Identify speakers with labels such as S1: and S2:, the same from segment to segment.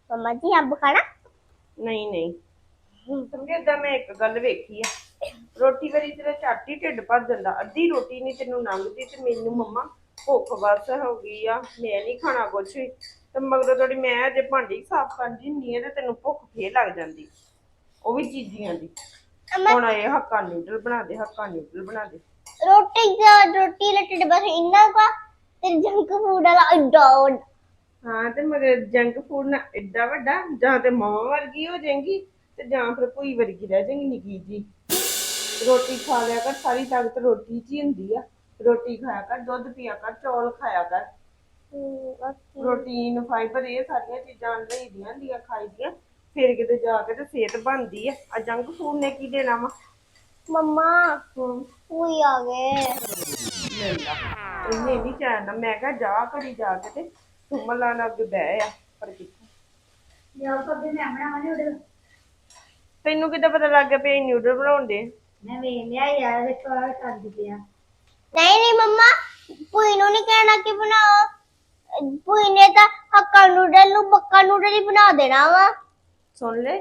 S1: मम्मा जी अंब खाना?
S2: ਨਹੀਂ ਨਹੀਂ ਸਮਝੇ ਏਦਾਂ ਮੈਂ ਇੱਕ ਗੱਲ ਵੇਖੀ ਆ ਰੋਟੀ ਵਾਰੀ ਤੇਰਾ ਝੱਟ ਹੀ ਢਿੱਡ ਭਰ ਜਾਂਦਾ ਅੱਧੀ ਰੋਟੀ ਨਹੀਂ ਤੈਨੂੰ ਲੰਘਦੀ ਤੇ ਮੈਨੂੰ ਮੰਮਾ ਭੁੱਖ ਬਸ ਹੋ ਗਈ ਆ ਮੈਂ ਨਹੀਂ ਖਾਣਾ ਕੁਛ ਵੀ ਤੇ ਮਗਰੋਂ ਥੋੜੀ ਮੈਂ ਜੇ ਭਾਂਡੀ ਸਾਫ਼ ਕਰਦੀ ਹੁੰਦੀ ਆ ਤੇ ਤੈਨੂੰ ਭੁੱਖ ਫੇਰ ਲੱਗ ਜਾਂਦੀ ਉਹ ਵੀ ਚੀਜ਼ੀਆਂ ਦੀ ਹੁਣ ਇਹ ਹੱਕਾ ਨੂਡਲ ਬਣਾ ਦੇ ਹੱਕਾ ਨੂਡਲ ਬਣਾ ਦੇ
S1: रोटी लट्टे बस इन्ना का तेरे जंक फूड वाला डॉट।
S2: ਹਾਂ ਤੇ ਮਗਰ ਜੰਕ ਫੂਡ ਨਾ ਏਡਾ ਵੱਡਾ ਜਾਂ ਤੇ ਮਾਂ ਵਰਗੀ ਹੋ ਜਾਏਗੀ ਤੇ ਜਾਂ ਫਿਰ ਭੂਈ ਵਰਗੀ ਰਹਿ ਜਾਏਗੀ ਨਿੱਕੀ ਜੀ ਰੋਟੀ ਖਾ ਲਿਆ ਕਰ ਸਾਰੀ ਤਾਕਤ ਰੋਟੀ 'ਚ ਹੀ ਹੁੰਦੀ ਆ ਰੋਟੀ ਖਾਇਆ ਕਰ ਦੁੱਧ ਪੀਆ ਕਰ ਚੌਲ ਖਾਇਆ ਕਰ ਪ੍ਰੋਟੀਨ ਫਾਈਬਰ ਇਹ ਸਾਰੀਆਂ ਚੀਜ਼ਾਂ ਲਈਦੀਆਂ ਹੁੰਦੀਆਂ ਖਾਈਦੀਆਂ ਫਿਰ ਕਿਤੇ ਜਾ ਕੇ ਤੇ ਸਿਹਤ ਬਣਦੀ ਆ ਜੰਕ ਫੂਡ ਨੇ ਕੀ ਦੇਣਾ ਵਾ
S1: मम्मा कोई आ गए
S2: ਇਹਨੇ ਨਹੀਂ ਚਾਹਨਾ ਮੈਂ ਕਿਹਾ ਜਾ ਘੜੀ ਜਾ ਕੇ ਤੇ ਸੁਮਲਾ ਨਾਲ ਅੱਗੇ ਬਹਿ ਆ ਪਰ ਕਿੱਥੇ
S3: ਯਾਰ ਕਦੇ ਮੈਂ ਬਣਾਵਾਂਗੀ ਉਹਦੇ
S2: ਤੈਨੂੰ ਕਿੱਦਾਂ ਪਤਾ ਲੱਗ ਗਿਆ ਵੀ ਨਿਊਡਲ ਬਣਾਉਂਦੇ
S3: ਮੈਂ ਵੇਖ ਲਿਆ ਯਾਰ ਵੇਖ ਆ ਕਰ ਪਿਆ
S1: नहीं नहीं मम्मा पुई नु नहीं कहना कि बनाओ पुई ने तो हक्का नूडल नु पक्का नूडल ही बना देना वा
S2: ਸੁਣ ਲੈ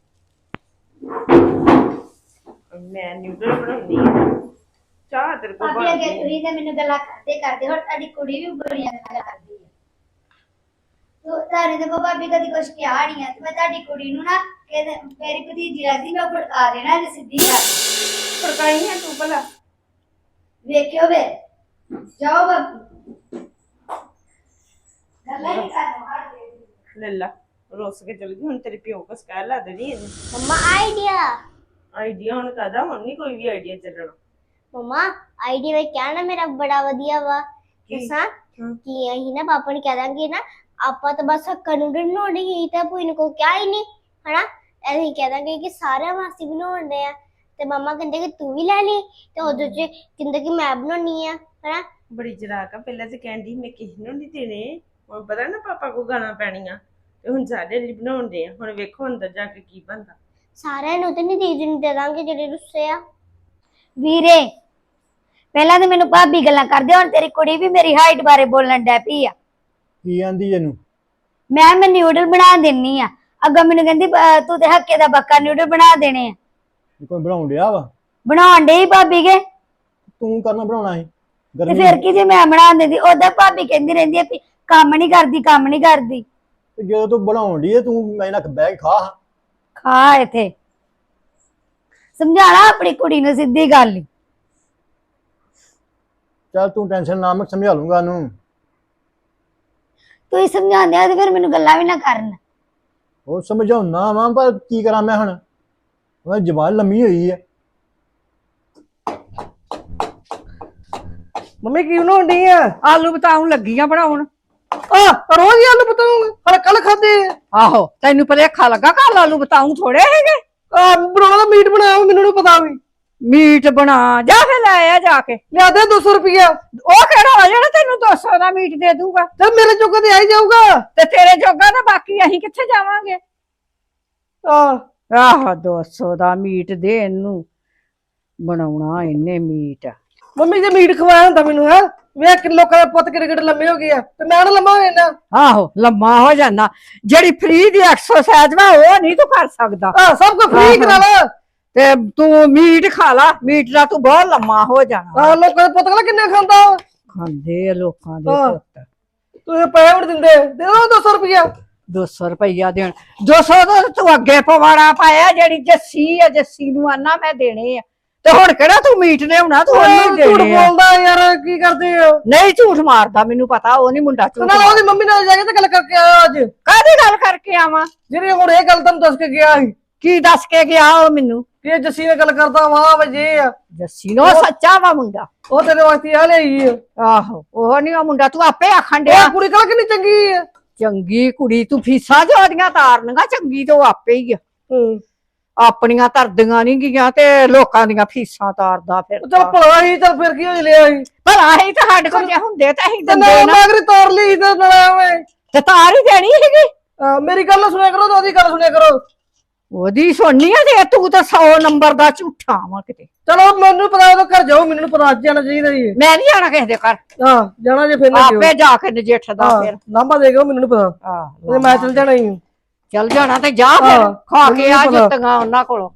S2: ਮੈਂ ਨਿਊਡਲ ਬਣਾਉਣੀ ਆ ਚਾਹ ਤੇਰੇ ਕੋਲ
S3: ਭਾਬੀ ਅੱਗੇ ਤੁਸੀਂ ਤੇ ਮੈਨੂੰ ਗੱਲਾਂ ਕਰਦੇ ਹੁਣ ਤੁਹਾਡੀ ਕੁੜੀ ਵੀ ਬੜੀਆਂ ਗੱਲਾਂ ਕਰਦੀ ਹੈ ਤੋ ਤਾਰੇ ਦੇ ਭਾਬੀ ਕਦੀ ਕੁਛ ਕਿਹਾ ਨਹੀਂ ਹੈ ਤੇ ਮੈਂ ਤੁਹਾਡੀ ਕੁੜੀ ਨੂੰ ਨਾ ਕਹਿੰਦੇ ਮੇਰੀ ਭਤੀਜੀ ਲੱਗਦੀ ਮੈਂ ਫੜਕਾ ਦੇਣਾ ਜੇ ਸਿੱਧੀ ਕਰ
S2: ਫੜਕਾਈ ਹੈ ਤੂੰ ਭਲਾ
S3: ਵੇਖਿਓ ਵੇ ਜਾਓ ਬਾਬੂ ਗੱਲਾਂ ਨਹੀਂ ਕਰਨਾ
S2: ਲੈ ਲਾ ਰੋਸ ਕੇ ਚਲ ਗਈ ਹੁਣ ਤੇਰੇ ਪਿਓ ਕੋ ਸਕੈਲ ਲਾ ਦੇਣੀ ਇਹਨੇ
S1: मम्मा आइडिया
S2: ਆਈਡੀਆ ਹੁਣ ਕਾਦਾ ਹੁਣ ਨਹੀਂ ਕੋਈ ਵੀ ਆਈਡੀਆ ਚੱਲਣਾ
S1: मम्मा आइडिया में क्या ना मेरा बड़ा वधिया वा दसा कि यही ना पापा ने कह देंगे ना आपा तो बस हक्का नूडल बनाने ही था कोई को क्या ही नहीं है ना ऐसे ही कह देंगे कि सारे मासी बनाने हैं ते मम्मा कहते कि तू भी ले ली ते ओदे च कहंदे कि मैं बनानी है ना
S2: ਬੜੀ ਜਰਾਕ ਆ ਪਹਿਲਾਂ ਤੇ ਕਹਿੰਦੀ ਮੈਂ ਕਿਸੇ ਨੂੰ ਨਹੀਂ ਦੇਣੇ ਹੁਣ ਪਤਾ ਨਾ ਪਾਪਾ ਕੋ ਗਾਣਾ ਪੈਣੀਆਂ ਤੇ ਹੁਣ ਸਾਡੇ ਲਈ ਬਣਾਉਂਦੇ ਆ ਹੁਣ ਵੇਖੋ ਅੰਦਰ ਜਾ ਕੇ ਕੀ ਬਣਦਾ
S1: सारे नु ते नहीं दीदी नु दे देंगे जेडे रुस्से आ
S3: ਵੀਰੇ ਪਹਿਲਾਂ ਤਾਂ ਮੈਨੂੰ ਭਾਬੀ ਗੱਲਾਂ ਕਰਦੇ ਹੁਣ ਤੇਰੀ ਕੁੜੀ ਵੀ ਮੇਰੀ ਹਾਈਟ ਬਾਰੇ ਬੋਲਣ ਡੈ ਪਈ ਆ
S4: ਕੀ ਆਂਦੀ ਇਹਨੂੰ
S3: ਮੈਂ ਨਿਊਡਲ ਬਣਾ ਦੇਣੀ ਆ ਅੱਗਾ ਮੈਨੂੰ ਕਹਿੰਦੀ ਤੂੰ ਤੇ ਹੱਕੇ ਦਾ ਬੱਕਾ ਨਿਊਡਲ ਬਣਾ ਦੇਣੇ ਆ
S4: ਕੋਈ ਬਣਾਉਣ ਡਿਆ ਵਾ
S3: ਬਣਾਉਣ ਡਈ ਭਾਬੀ ਕੇ
S4: ਤੂੰ ਕਰਨਾ ਬਣਾਉਣਾ ਸੀ
S3: ਤੇ
S4: ਗਰਮੀ
S3: ਫਿਰ ਕੀ ਜੇ ਮੈਂ ਬਣਾ ਦਿੰਦੀ ਉਹਦਾ ਭਾਬੀ ਕਹਿੰਦੀ ਰਹਿੰਦੀ ਆ ਵੀ ਕੰਮ ਨਹੀਂ ਕਰਦੀ
S4: ਤੇ ਜਦੋਂ ਤੂੰ ਬਣਾਉਣ ਡਈ ਤੂੰ ਮੈਂ ਨਾ ਬਹਿ ਕੇ ਖਾ
S3: ਖਾ ਇੱਥੇ ਸਮਝਾਣਾ ਆਪਣੀ ਕੁੜੀ ਨੂੰ ਸਿੱਧੀ ਗੱਲ ਹੀ
S4: ਚੱਲ ਤੂੰ ਟੈਨਸ਼ਨ ਨਾ ਮੈਂ ਸਮਝਾ ਲੂੰਗਾ ਉਹਨੂੰ
S3: ਤੂੰ ਹੀ ਸਮਝਾਉਂਦੇ ਆ ਤੇ ਫਿਰ ਮੈਨੂੰ ਗੱਲਾਂ ਵੀ ਨਾ ਕਰਨ
S4: ਉਹ ਸਮਝਾਉਣਾ ਵਾ ਪਰ ਕੀ ਕਰਾਂ ਮੈਂ ਹੁਣ ਉਹਦੀ ਜ਼ਬਾਨ ਲੰਮੀ ਹੋਈ ਹੈ
S5: ਮੰਮੀ ਕੀ ਬਣਾਉਂਦੀ ਆ
S6: ਆਲੂ ਬਤਾਉਣ ਲੱਗੀ ਆ ਬਣਾਉਣ
S5: ਆ ਰੋਜ਼ ਹੀ ਆਲੂ ਬਤਾਉਂ ਹਰ ਕੱਲ ਖਾਦੇ
S6: ਆਹੋ ਤੈਨੂੰ ਭਲੇਖਾ ਲੱਗਾ ਕੱਲ ਆਲੂ ਬਤਾਉਂ ਥੋੜੇ ਹੈਗੇ
S5: ਆ ਬਣਾਉਣਾ ਤਾਂ ਮੀਟ ਬਣਾਇਆ ਮੈਨੂੰ ਨੀ ਪਤਾ ਵੀ
S6: ਮੀਟ ਬਣਾ ਜਾ ਫੇ ਲੈ ਆ ਜਾ ਕੇ
S5: ਲਿਆ ਦੇ 200 ਰੁਪਇਆ
S6: ਉਹ ਕਿਹੜਾ ਆ ਜਿਹੜਾ ਤੈਨੂੰ 200 ਦਾ ਮੀਟ ਦੇ ਦੂਗਾ
S5: ਤੇ ਮੇਰੇ ਜੋਗਾ ਤੇ ਆ ਹੀ ਜਾਊਗਾ
S6: ਤੇ ਤੇਰੇ ਜੋਗਾ ਤਾਂ ਬਾਕੀ ਅਸੀਂ ਕਿੱਥੇ ਜਾਵਾਂਗੇ
S5: ਆ
S6: ਆਹ 200 ਦਾ ਮੀਟ ਦੇ ਇਹਨੂੰ ਬਣਾਉਣਾ ਇਹਨੇ ਮੀਟ
S5: ਮੰਮੀ ਜੇ ਮੀਟ ਖਵਾਇਆ ਹੁੰਦਾ ਮੈਨੂੰ ਹੈ ਵੇਖ ਕਿ ਲੋਕਾਂ ਦੇ ਪੁੱਤ ਕਿਹੜੇ ਲੰਮੇ ਹੋ ਗਏ ਆ ਤੇ ਮੈਂ ਨਾ ਲੰਮਾ ਹੋ ਜਾਣਾ
S6: ਆਹੋ ਲੰਮਾ ਹੋ ਜਾਂਦਾ ਜਿਹੜੀ ਫ੍ਰੀ ਦੀ ਐਕਸਰਸਾਈਜ਼ ਵਾ ਉਹ ਨਹੀਂ ਤੂੰ ਕਰ ਸਕਦਾ
S5: ਆ ਸਭ ਕੁਝ ਫ੍ਰੀ ਕਰਾ ਲਾ
S6: ਤੇ ਤੂੰ ਮੀਟ ਖਾ ਲਾ ਮੀਟ ਨਾਲ ਤੂੰ ਬਹੁਤ ਲੰਮਾ ਹੋ ਜਾਣਾ
S5: ਆ ਲੋਕਾਂ ਦੇ ਪੁੱਤ ਕਿਹੜਾ ਕਿੰਨੇ ਖਾਂਦਾ
S6: ਖਾਂਦੇ ਆ ਲੋਕਾਂ ਦੇ
S5: ਹਾਂ।
S6: ਪੁੱਤ
S5: ਤੂੰ ਪੈਸੇ ਵੀ ਦਿੰਦੇ ਦੇ ਦੋ 200 ਰੁਪਇਆ
S6: 200 ਰੁਪਈਆ ਦੇਣ 200 ਦਾ ਤੂੰ ਅੱਗੇ ਪਵਾੜਾ ਪਾਇਆ ਜਿਹੜੀ ਜੱਸੀ ਆ ਜੱਸੀ ਨੂੰ ਆਨਾ ਮੈਂ ਦੇਣੇ ਆ ਤੇ ਹੁਣ ਕਿਹੜਾ ਤੂੰ ਮੀਟ ਲਿਆਉਣਾ ਤੂੰ ਉਹਨੂੰ
S5: ਝੂਠ
S6: ਦੇਣੇ ਆ
S5: ਬੋਲਦਾ ਯਾਰ ਕੀ ਕਰਦੇ ਹੋ
S6: ਨਹੀਂ ਝੂਠ ਮਾਰਦਾ ਮੈਨੂੰ ਪਤਾ ਉਹ ਨਹੀਂ ਮੁੰਡਾ ਝੂਠ
S5: ਨਾਲ ਉਹਦੀ ਮੰਮੀ ਨਾਲ ਜਾ ਕੇ ਤੇ ਗੱਲ ਕਰਕੇ ਆਇਆ ਅੱਜ
S6: ਕਾਹਦੀ ਗੱਲ ਕਰਕੇ ਆਵਾਂ
S5: ਜਿਹੜੀ ਹੁਣ ਇਹ ਗੱਲ ਤੁਹਾਨੂੰ ਦੱਸ ਕੇ ਗਿਆ ਸੀ
S6: ਕੀ ਦੱਸ ਕੇ ਗਿਆ ਉਹ ਮੈਨੂੰ
S5: ਕਿ ਇਹ ਜੱਸੀ ਨਾਲ ਗੱਲ ਕਰਦਾ ਵਾਹ ਵਜੇ ਆ
S6: ਜੱਸੀ ਨੂੰ ਉਹ ਸੱਚਾ ਵਾ ਮੁੰਡਾ
S5: ਉਹ ਤੇਰੇ ਵਾਸਤੇ ਆ ਲਈ ਆ
S6: ਆਹੋ ਉਹ ਨਹੀਂ ਉਹ ਮੁੰਡਾ ਤੂੰ ਆਪੇ ਆਖਣ ਡਿਆ
S5: ਇਹ ਕੁੜੀ ਕਾ ਕਿੰਨੀ ਚੰਗੀ ਆ
S6: ਚੰਗੀ ਕੁੜੀ ਤੂੰ ਫੀਸਾਂ ਜੋ ਉਹਦੀਆਂ ਤਾਰਨੀਆਂ ਚੰਗੀ ਤੋਂ ਆਪੇ ਹੀ ਆ ਆਪਣੀਆਂ ਤਰਦੀਆਂ ਨਹੀਂ ਗਈਆਂ ਤੇ ਲੋਕਾਂ ਦੀਆਂ ਫੀਸਾਂ ਤਾਰਦਾ ਫਿਰ
S5: ਚਲ ਭਲਾ ਹੀ ਚਲ ਫਿਰ ਕੀ ਹੋ ਲਿਆ ਸੀ
S6: ਪਰ ਆਹੀ ਤਾਂ ਸਾਡੇ ਕੋਲ ਜੇ ਹੁੰਦੇ ਤਾਂ ਅਸੀਂ
S5: ਤੇ
S6: ਦਿੰਦੇ
S5: ਨਾ
S6: ਨਾ
S5: ਮਾਗਰੀ ਤਾਰ ਲਈ ਤੇ ਨਾ ਐਵੇਂ
S6: ਤੇ ਤਾਰ ਹੀ ਦੇਣੀ ਸੀਗੀ
S5: ਮੇਰੀ ਗੱਲ ਨਾ ਸੁਣਿਆ ਕਰੋ ਤੇ ਉਹਦੀ ਗੱਲ ਸੁਣਿਆ ਕਰੋ
S6: ਉਹਦੀ ਸੁਣਨੀ ਆ ਤੇ ਤੂੰ ਤਾਂ 100 ਨੰਬਰ ਦਾ ਝੂਠਾ ਵਾ ਕਿਤੇ
S5: ਚਲੋ ਮੈਨੂੰ ਪਤਾ ਉਹ ਘਰ ਜਾਓ ਮੈਨੂੰ ਪਤਾ ਅੱਜ ਜਾਣਾ ਚਾਹੀਦਾ ਜੀ
S6: ਮੈਂ ਨਹੀਂ ਜਾਣਾ ਕਿਸੇ ਦੇ ਘਰ
S5: ਹਾਂ ਜਾਣਾ ਜੇ ਫਿਰ ਨਾ
S6: ਆਪੇ ਜਾ ਕੇ ਨਜਿੱਠਦਾ ਫਿਰ
S5: ਲਾਂਬਾ ਦੇ ਗਏ ਮੈਨੂੰ ਨੀ ਪਤਾ
S6: ਆਹ
S5: ਮੈਂ ਚਲ ਜਾਣਾ ਹੀ
S6: ਚੱਲ ਜਾਣਾ ਤੇ ਜਾ ਫਿਰ
S5: ਹਾਂ,
S6: ਖਾ
S5: ਮੈਨੂੰ
S6: ਕੇ ਆ
S5: ਨੀ ਪਤਾ।
S6: ਜੁੱਤੀਆਂ ਉਹਨਾਂ ਕੋਲੋਂ।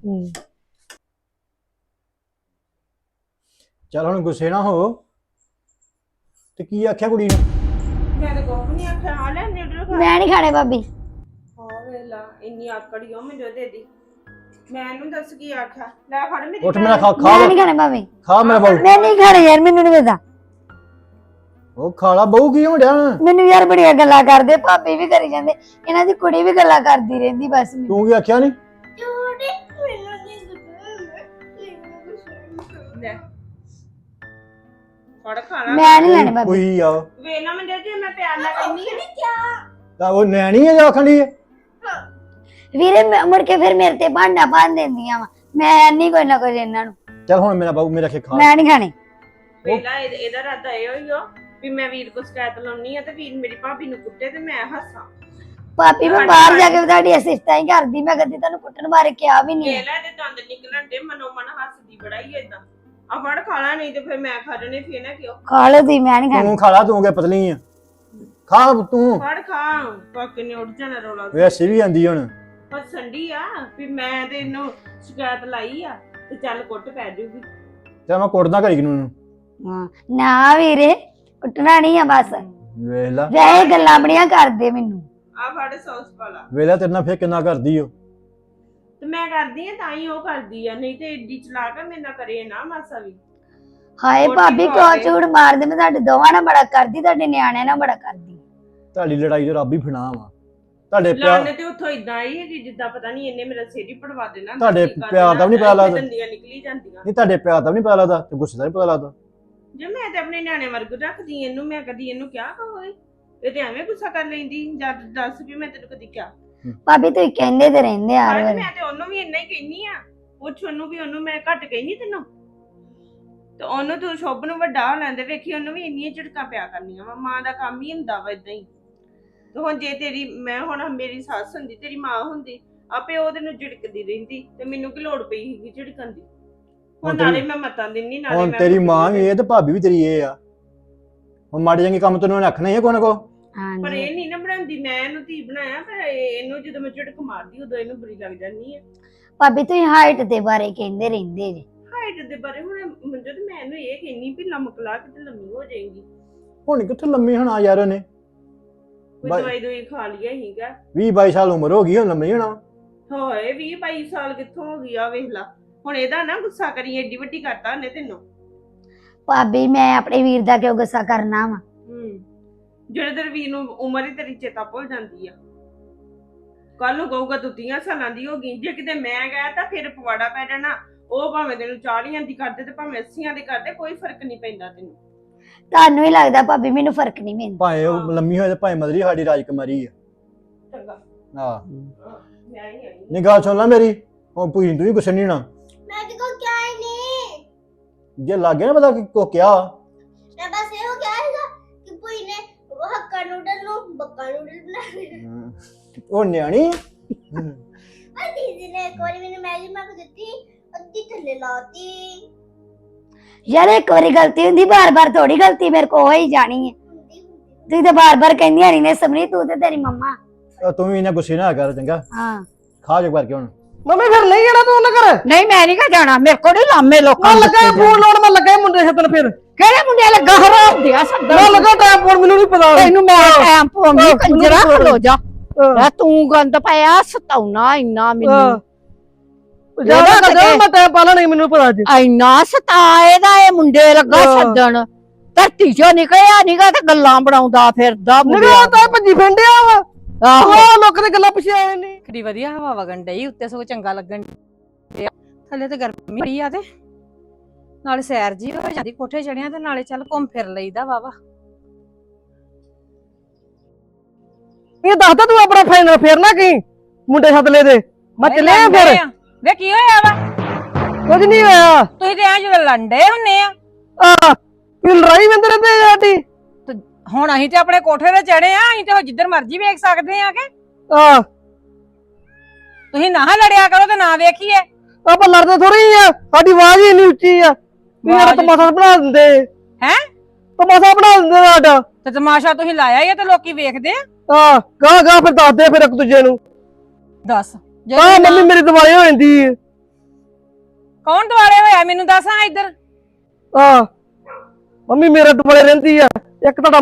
S4: ਚੱਲ ਹੁਣ ਗੁੱਸੇ ਨਾ ਹੋ। ਤੇ ਕੀ ਆਖਿਆ ਕੁੜੀ ਨੂੰ?
S2: ਮੈਂ ਤਾਂ ਕੁਝ ਨਹੀਂ ਆਖਿਆ ਆ ਲੈ ਨਿਊਡਲ ਖਾ
S3: ਮੈਂ ਨਹੀਂ ਖਾਣੇ ਭਾਬੀ।
S2: ਹਾਂ ਵੇਲਾ ਇੰਨੀ ਆਕੜੀ ਹੋ ਮੈਨੂੰ ਦੇ ਦੀ ਮੈਂ ਇਹਨੂੰ ਦੱਸ ਕੀ ਆਖਿਆ ਲੈ ਫੜ ਮੇਰੀ
S4: ਉੱਠ ਮੇਰਾ
S2: ਭੈਣ।
S4: ਖਾ
S3: ਮੈਂ ਨਹੀਂ ਖਾਣੇ ਭਾਬੀ।
S4: ਖਾ ਮੇਰਾ ਬਾਊ।
S3: ਮੈਂ ਨਹੀਂ ਖਾਣੇ ਯਾਰ, ਮੈਨੂੰ ਨਹੀਂ ਪਤਾ।
S4: ਉਹ ਖਾਲਾ ਬਹੂ ਕੀ ਹੋ ਡਿਆ?
S3: ਮੈਨੂੰ ਯਾਰ ਬੜੀਆਂ ਗੱਲਾਂ ਕਰਦੇ, ਭਾਬੀ ਵੀ ਕਰੀ ਜਾਂਦੇ, ਇਹਨਾਂ ਦੀ ਕੁੜੀ ਵੀ ਗੱਲਾਂ ਕਰਦੀ ਰਹਿੰਦੀ ਬਸ ਮੈਨੂੰ।
S4: ਤੂੰ ਕੀ ਆਖਿਆ ਨਹੀਂ?
S1: ਝੂਠ ਮੈਨੂੰ ਨਹੀਂ
S2: ਲੈ ਫੜ ਖਾ ਲਾ
S3: ਮੈਂ ਨਹੀਂ ਲੈਣੇ ਭਾਬੀ।
S4: ਕੋਈ ਆ
S2: ਵੇਲਾ ਮੈਂ ਜੇ ਮੈਂ ਪਿਆਰ ਨਾਲ ਕਹਿੰਦੀ ਆ
S4: ਤਾਂ ਉਹ ਨਿਆਣੀ ਹੈ ਜਾਂ ਆਖਣੀ ਹੈ?
S3: ਵੀਰੇ ਮੁੜ ਕੇ ਫਿਰ ਮੇਰੇ ਤੇ ਭਾਂਡਾ ਭੰਨ ਦਿੰਦੀਆਂ ਵਾ। ਮੈਂ ਨਹੀਂ ਕੋਈ ਨਾ ਕੋਈ ਇਹਨਾਂ ਨੂੰ।
S4: ਚੱਲ ਹੁਣ ਮੇਰਾ ਬਾਊ ਮੇਰਾ ਖਾ।
S3: ਮੈਂ ਨਹੀਂ ਖਾਣੇ।
S2: ਵੇਲਾ ਇਹਦਾ ਰਾਦਾ ਇਹ ਹੋਈ ਹੋ ਵੀ ਮੈਂ ਵੀਰ ਕੋ ਸ਼ਿਕਾਇਤ ਲਾਉਣੀ ਆ ਤੇ ਵੀਰ ਮੇਰੀ ਭਾਬੀ ਨੂੰ ਕੁੱਟੇ ਤੇ ਮੈਂ ਹੱਸਾਂ।
S3: ਭਾਬੀ ਮੈਂ ਬਾਹਰ ਜਾ ਕੇ ਤੁਹਾਡੀ ਅਸਿਸਟਾਂ ਹੀ ਕਰਦੀ, ਮੈਂ ਕਦੀ ਤੁਹਾਨੂੰ ਕੁੱਟਣ ਬਾਰੇ ਕਿਹਾ ਵੀ ਨਹੀਂ।
S2: ਵੇਲਾ ਦੇ ਦੰਦ ਨਿਕਲਣ ਦੇ ਮਨੋ ਮਨ ਹੱਸਦੀ ਬੜਾ ਹੀ ਏਦਾਂ ਆ ਫੜ ਖਾ ਲਾ ਨਹੀਂ ਤੇ ਫਿਰ ਮੈਂ ਖਾ ਜਣੇ ਫੇਰ ਨਾ ਕਿਉਂ
S3: ਖਾ ਲਓ ਤੁਸੀਂ, ਮੈਂ ਨਹੀਂ ਖਾਣੇ।
S4: ਤੂੰ ਖਾਲਾ, ਤੂੰ ਕਿ ਪਤਲੀ ਆ। ਖਾ ਤੂੰ।
S2: ਫੜ ਖਾ ਕਾਕੇ ਨੇ ਉੱਠ ਜਾਣਾ ਰੌਲਾ
S4: ਵੈਸੇ ਵੀ ਆਂਦੀ ਹੁਣ।
S2: ਹੱਸਣ ਡਈ ਆ ਵੀ ਮੈਂ ਤੇ ਇਹਨੂੰ ਸ਼ਿਕਾਇਤ ਲਾਈ ਆ ਤੇ ਚੱਲ ਕੁੱਟ ਪੈ ਜਾਊਗੀ।
S4: ਤੇ ਮੈਂ ਕੁੱਟਦਾ ਘੜੀ ਨੂੰ।
S3: ਹਾਂ ਨਾ ਵੀਰੇ, ਕੁੱਟਣਾ ਨਹੀਂ ਆ ਬਸ।
S4: ਵੇਖ ਲਾ
S3: ਵੈਸੇ ਗੱਲਾਂ ਬੜੀਆਂ ਕਰਦੇ ਮੈਨੂੰ।
S2: ਆ ਫੜ ਸੌਸ ਪਾ ਲਾ
S4: ਵੇਖ ਲਾ ਤੇਰੇ ਨਾਲ ਫੇਰ ਕਿੰਨਾ ਕਰਦੀ ਓ।
S2: ਤੇ ਮੈਂ ਕਰਦੀ ਆ ਤਾਂ ਹੀ ਉਹ ਕਰਦੀ ਆ ਨਹੀਂ ਤੇ ਏਡੀ ਚਲਾਕ ਆ ਮੇਰੇ ਨਾਲ ਕਰੇ ਨਾ ਮਾਸਾ ਵੀ।
S3: ਹਾਏ
S2: ਰੋਟੀ
S3: ਭਾਬੀ
S2: ਖਾ
S3: ਕਿਉਂ
S2: ਕੇ।
S3: ਝੂਠ ਮਾਰਦੇ? ਮੈਂ ਤੁਹਾਡੇ ਦੋਵਾਂ ਨਾਲ ਬੜਾ ਕਰਦੀ, ਤੁਹਾਡੇ ਨਿਆਣਿਆਂ ਨਾਲ ਬੜਾ ਕਰਦੀ।
S4: ਤੁਹਾਡੀ ਲੜਾਈ ਤੇ ਰੱਬ ਹੀ ਫਿਨਾ ਵਾ। ਤੁਹਾਡੇ ਪਿਆਰ
S2: ਲਾਣੇ ਤੇ ਉੱਥੋਂ ਇਦਾਂ ਆਈ ਹੈ ਕਿ ਜਿੱਦਾਂ ਪਤਾ ਨਹੀਂ ਇਹਨੇ ਮੇਰਾ ਸਿਰ ਹੀ ਪੜਵਾ ਦੇਣਾ।
S4: ਤੁਹਾਡੇ
S2: ਕੀ ਕਰ
S4: ਪਿਆਰ ਦਾ ਵੀ ਨੀ ਪਤਾ
S2: ਦੇਣਾ,
S4: ਲੱਗਦਾ।
S2: ਦੰਦੀਆਂ ਨਿਕਲੀ ਜਾਂਦੀਆਂ।
S4: ਨਹੀਂ ਤੁਹਾਡੇ ਪਿਆਰ ਦਾ ਵੀ ਨਹੀਂ ਪਤਾ ਲੱਗਦਾ ਤੇ ਗੁੱਸੇ ਦਾ ਵੀ ਪਤਾ ਲੱਗਦਾ।
S2: ਜੇ ਮੈਂ ਤੇ ਆਪਣੇ ਨਿਆਣੇ ਵਰਗ ਰੱਖਦੀ ਇਹਨੂੰ, ਮੈਂ ਕਦੀ ਇਹਨੂੰ ਕਿਹਾ ਹੋਏ ਇਹ ਤੇ ਐਵੇਂ ਗੁੱਸਾ ਕਰ ਲੈਂਦੀ। ਜਦ ਦੱਸ ਵੀ ਮੈਂ ਤੈਨੂੰ ਕਦੀ ਕਿਹਾ।
S3: ਭਾਬੀ ਤੁਸੀਂ ਕਹਿੰਦੇ ਤੇ ਰਹਿੰਦੇ ਆ
S2: ਹਾਂ
S3: ਵਾਰ।
S2: ਮੈਂ ਤੇ ਉਹਨੂੰ ਵੀ ਇੰਨਾ ਹੀ ਕਹਿੰਨੀ ਆ। ਪੁੱਛ ਉਹਨੂੰ ਵੀ, ਉਹਨੂੰ ਮੈਂ ਘੱਟ ਕਹਿੰਨੀ ਤੈਨੂੰ। ਤੇ ਉਹਨੂੰ ਤੂੰ ਸ਼ੁਭ ਨੂੰ ਵੱਡਾ ਹੋ ਲੈਂਦੇ ਵੇਖੀ ਉਹਨੂੰ ਵੀ ਇੰਨੀਆਂ ਝਿੜਕਾਂ ਪਿਆ ਕਰਨੀਆਂ ਵਾ। ਮਾਂ ਦਾ ਕੰਮ ਹੀ ਹੁੰਦਾ ਵਾ ਇਦਾਂ ਹੀ। ਤੇ ਹੁਣ ਜੇ ਤੇਰੀ ਮੈਂ ਹੁਣ ਮੇਰੀ ਸੱਸ ਹੁੰਦੀ, ਤੇਰੀ ਮਾਂ ਹੁੰਦੀ, ਆਪੇ ਉਹਦੇ ਨੂੰ ਝਿੜਕਦੀ ਰਹਿੰਦੀ ਤੇ ਮੈਨੂੰ ਕੀ ਲੋੜ ਪਈ ਸੀਗੀ ਝਿੜਕਣ ਦੀ। ਹੁਣ
S4: ਹੁਣ
S2: ਨਾਲੇ
S4: ਤੇਰੀ-
S2: ਮੈਂ ਮਤਾਂ ਦਿੰਨੀ ਨਾਲੇ
S4: ਹੁਣ
S2: ਮੈਂ
S4: ਤੇਰੀ
S2: ਕੁੱਟਦੀ
S4: ਮਾਂ ਵੀ ਇਹ ਤੇ ਭਾਬੀ ਵੀ ਤੇਰੀ ਇਹ ਆ। ਹੁਣ ਮਾੜੇ ਚੰਗੇ ਕੰਮ ਤੈਨੂੰ ਉਹਨੇ ਆਖਣਾ ਹੀ ਆ ਕੋਈ ਨਾ ਕੋਈ।
S2: ਪਰ
S3: ਹਾਂਜੀ
S2: ਇਹ ਨਹੀਂ ਨਾ ਬਣਾਉਂਦੀ। ਮੈਂ ਇਹਨੂੰ ਧੀ ਬਣਾਇਆ ਪਰ ਇਹਨੂੰ ਜਦੋਂ ਮੈਂ ਝਿੜਕ ਮਾਰਦੀ ਉਦੋਂ ਇਹਨੂੰ ਬੁਰੀ ਲੱਗ ਜਾਂਦੀ ਹੈ।
S3: ਭਾਬੀ ਤੁਸੀਂ ਹਾਈਟ ਦੇ ਬਾਰੇ ਕਹਿੰਦੇ ਰਹਿੰਦੇ ਜੀ।
S2: ਹਾਈਟ ਦੇ ਬਾਰੇ ਹੁਣ ਮੰਜੋ ਤੇ ਮੈਂ ਇਹਨੂੰ ਇਹ ਕਹਿੰਨੀ ਵੀ ਲੰਮਕ ਲਾ ਕੇ ਤੇ ਲੰਮੀ ਹੋ ਜਾਏਗੀ।
S4: ਹੁਣ ਕਿੱਥੇ ਲੰਮੀ ਹੋਣਾ ਯਾਰ ਉਹਨੇ।
S2: ਕੋਈ
S4: ਬਾਈ-
S2: ਦਵਾਈ ਦੋਈ ਖਾ ਲਿਆ ਹੀਗਾ।
S4: 20-22 ਸਾਲ ਉਮਰ ਹੋ ਗਈ, ਹੁਣ ਲੰਮੀ ਹੋਣਾ।
S2: ਹੋਏ 20-22 ਸਾਲ ਕਿੱਥੋਂ ਹੋ ਗਈ ਆ ਵੇਖ ਲਾ। ਹੁਣ ਇਹਦਾ ਨਾ ਗੁੱਸਾ ਕਰੀ, ਏਡੀ ਵੱਡੀ ਕਰਤਾ ਉਹਨੇ ਤੈਨੂੰ।
S3: ਭਾਬੀ ਮੈਂ ਆਪਣੇ ਵੀਰ ਦਾ ਕਿਉਂ ਗੁੱਸਾ ਕਰਨਾ ਵਾ?
S2: ਜਿਹੜੇ ਤੇਰੇ ਵੀਰ ਨੂੰ ਉਮਰ ਹੀ ਤੇਰੀ ਚੇਤਾ ਭੁੱਲ ਜਾਂਦੀ ਆ। ਕੱਲ ਨੂੰ ਕਹੂਗਾ ਤੂੰ 30 ਸਾਲਾਂ ਦੀ ਹੋ ਗਈ। ਜੇ ਕਿਤੇ ਮੈਂ ਗਿਆ ਤਾਂ ਫਿਰ ਪਵਾੜਾ ਪੈ ਜਾਣਾ। ਉਹ ਭਾਵੇਂ ਤੈਨੂੰ 40 ਦੀ ਕਰਦੇ ਤੇ ਭਾਵੇਂ 80 ਦੀ ਕਰਦੇ, ਕੋਈ ਫਰਕ ਨਹੀਂ ਪੈਂਦਾ ਤੈਨੂੰ।
S3: ਤੁਹਾਨੂੰ ਹੀ ਲੱਗਦਾ ਭਾਬੀ ਮੈਨੂੰ ਫਰਕ ਨਹੀਂ ਪੈਂਦਾ?
S4: ਭਾਵੇਂ ਉਹ ਲੰਮੀ ਹੋਏ ਤੇ ਭਾਵੇਂ ਮਦਰੀ ਸਾਡੀ ਰਾਜਕੁਮਾਰੀ ਆ।
S2: ਚੰਗਾ
S4: ਹਾਂ
S2: ਮੈਂ ਹੀ ਆਈ।
S4: ਨਹੀਂ ਗੱਲ ਸੁਣ ਲੈ ਮੇਰੀ। ਹੁਣ ਭੂਈ ਤੂੰ ਵੀ ਗੁੱਸੇ ਨਹੀਂ ਹੋਣਾ।
S1: ਮੈਂ ਤੇ ਕੋ ਕਿਹਾ ਹੀ ਨਹੀਂ।
S4: ਜੇ ਲੱਗੇ ਨਾ ਪਤਾ ਕਿ ਕੋ ਕਿਹਾ
S1: ਮੈਂ ਬਸ ਇਹੋ ਕਿਹਾ ਸੀਗਾ ਕਿ ਭੂਈ ਨੇ ਹੱਕਾ ਨੂਡਲ ਨੂੰ ਬੱਕਾ ਨੂਡਲ ਬਣਾ ਲਿਆ।
S4: ਉਹ ਨਿਆਣੀ
S1: ਆ ਦੀਦੀ ਨੇ ਇੱਕ ਵਾਰੀ ਮੈਨੂੰ ਮੈਗੀ ਮੰਗ ਦਿੱਤੀ, ਅੱਧੀ ਥੱਲੇ ਲਾਤੀ।
S3: ਯਾਰ ਇੱਕ ਵਾਰੀ ਗਲਤੀ ਹੁੰਦੀ, ਬਾਰ-ਬਾਰ ਥੋੜੀ ਗਲਤੀ ਮੇਰੇ ਕੋ ਹੋ ਹੀ ਜਾਣੀ ਹੈ।
S1: ਹੁੰਦੀ ਹੁੰਦੀ
S3: ਤੁਸੀਂ ਤਾਂ ਬਾਰ-ਬਾਰ ਕਹਿੰਦੀਆਂ ਨਹੀਂ ਨੇ ਸਮਰੀ, ਤੂੰ ਤੇ ਤੇਰੀ ਮੰਮਾ।
S4: ਤੂੰ ਵੀ ਇਹਨਾਂ ਗੁੱਸੇ ਨਾ ਕਰ ਚੰਗਾ।
S3: ਹਾਂ
S4: ਖਾ ਜੋ ਕਰਕੇ ਹੁਣ।
S5: ਮੰਮੀ ਫਿਰ ਨਹੀਂ ਜਾਣਾ ਤੂੰ ਉਹਨਾਂ ਘਰ?
S6: ਨਹੀਂ ਮੈਂ ਨਹੀਂ ਕਾ ਜਾਣਾ, ਮੇਰੇ ਕੋਲ ਨਹੀਂ ਲਾਮੇ ਲੋਕਾਂ
S5: ਮੈਂ
S6: ਨੂੰ
S5: ਲੱਗਾ
S6: ਦਿੱਤੇ
S5: ਫੋਨ ਲਾਉਣ, ਮੈਂ ਲੱਗਾ ਮੁੰਡੇ ਛੱਡਣ। ਫਿਰ
S6: ਕਿਹੜੇ ਮੁੰਡੇ ਲੱਗਾ ਹਰਾਮ ਦਿਆ ਸੱਦਣ?
S5: ਮੈਂ ਲੱਗਾ ਟਾਈਮ ਫੋਨ, ਮੈਨੂੰ ਨਹੀਂ ਪਤਾ।
S6: ਤੈਨੂੰ ਮੈਂ ਟਾਈਮ ਪਾਉਂਦੀ
S5: ਹਾਂ,
S6: ਕੰਜਰਾ
S5: ਮੈਨੂੰ
S6: ਖਲੋ ਜਾ।
S5: ਹਾਂ।
S6: ਲੈ ਤੂੰ ਗੰਦ ਪਾਇਆ ਸਤਾਉਣਾ ਇੰਨਾ ਮੈਨੂੰ।
S5: ਜਿਆਦਾ ਕਰ ਮੈਂ ਟਾਈਮ ਪਾ ਲੈਣਾ, ਮੈਨੂੰ ਪਤਾ ਜੀ।
S6: ਇੰਨਾ ਸਤਾਏ ਦਾ ਇਹ ਮੁੰਡੇ ਲੱਗਾ
S5: ਹਾਂ।
S6: ਸੱਦਣ। ਧਰਤੀ ਚੋਂ ਨਿਕਲਿਆ ਨੀਗਾ ਤੇ ਗੱਲਾਂ ਬਣਾਉਂਦਾ ਫਿਰਦਾ
S5: ਨਿਕਲ ਤਾਂ ਭੱਜੀ ਫਿੰਡਿਆ ਵਾ।
S6: ਆਹੋ
S5: ਉਹ ਲੋਕਾਂ ਦੀ ਗੱਲਾਂ ਪਿੱਛੇ ਆਏ ਨਹੀਂ।
S7: ਕਿੰਨੀ ਵਧੀਆ ਹਵਾ ਵਗਣ ਡਈ, ਉੱਤੇ ਸਗੋਂ ਚੰਗਾ ਲੱਗਣ ਡਿਆ। ਥੱਲੇ ਤੇ ਗਰਮੀ ਬੜੀ ਆ ਤੇ ਨਾਲੇ ਸੈਰ ਜੀ ਹੋ ਜਾਂਦੀ ਕੋਠੇ ਚੜਿਆ ਤੇ ਨਾਲੇ ਚੱਲ ਘੁੰਮ ਫਿਰ ਲਈਦਾ ਵਾਵਾ।
S5: ਇਹ ਦੱਸਦਾ ਤੂੰ ਆਪਣਾ ਫਾਈਨਲ ਫੇਰਨਾ ਕੀ ਮੁੰਡੇ ਸੱਦ ਲੈ ਦੇ। ਮੈਂ ਚੱਲਿਆ ਫਿਰ।
S7: ਵੇ ਕੀ ਹੋਇਆ ਵਾ?
S5: ਕੁਝ ਨਹੀਂ ਹੋਇਆ।
S7: ਤੁਸੀਂ ਤੇ ਐ ਜਦੋਂ ਲੰਡੇ ਹੁੰਨੇ ਆ।
S5: ਇਹ ਲੜਾਈ ਵੰਦ ਰਹਿੰਦੇ ਸਾਡੀ।
S7: ਹੁਣ ਅਸੀਂ ਤੇ ਆਪਣੇ ਕੋਠੇ ਤੇ ਚੜੇ ਆ, ਅਸੀਂ ਤੇ ਉਹ ਜਿੱਧਰ ਮਰਜ਼ੀ ਵੇਖ ਸਕਦੇ ਆ ਕਿ ਤੁਸੀਂ ਨਾ ਲੜਿਆ ਕਰੋ ਤੇ ਨਾ ਵੇਖੀਏ।
S5: ਆਪਾਂ ਲੜਦੇ ਥੋੜੀ ਆ, ਸਾਡੀ ਆਵਾਜ਼ ਹੀ ਇੰਨੀ ਉੱਚੀ ਆ। ਮੇਰਾ ਤਮਾਸ਼ਾ ਬਣਾ ਦਿੰਦੇ।
S7: ਹੈਂ?
S5: ਤਮਾਸ਼ਾ ਬਣਾ ਦਿੰਦੇ ਸਾਡਾ।
S7: ਤੇ ਤਮਾਸ਼ਾ ਤੁਸੀਂ ਲਾਇਆ ਹੀ ਆ ਤੇ ਲੋਕੀ ਵੇਖਦੇ ਆ।
S5: ਗਾਂ ਫਿਰ ਦੱਸਦੇ ਫਿਰ ਇੱਕ ਦੂਜੇ ਨੂੰ।
S7: ਦੱਸ ਜੇ
S5: ਹਾਂ
S7: ਤੂੰ
S5: ਮੰਮੀ
S7: ਨਾ-
S5: ਮੇਰੀ ਦਿਵਾਲੀ ਹੋ ਜਾਂਦੀ ਹੈ।
S7: ਕੌਣ ਦੁਆਲੇ ਹੋਇਆ ਮੈਨੂੰ ਦੱਸ ਹਾਂ ਇੱਧਰ।
S5: ਹਾਂ ਮੰਮੀ ਮੇਰੇ ਦੁਆਲੇ ਰਹਿੰਦੀ ਆ। ਇੱਕ ਤੁਹਾਡਾ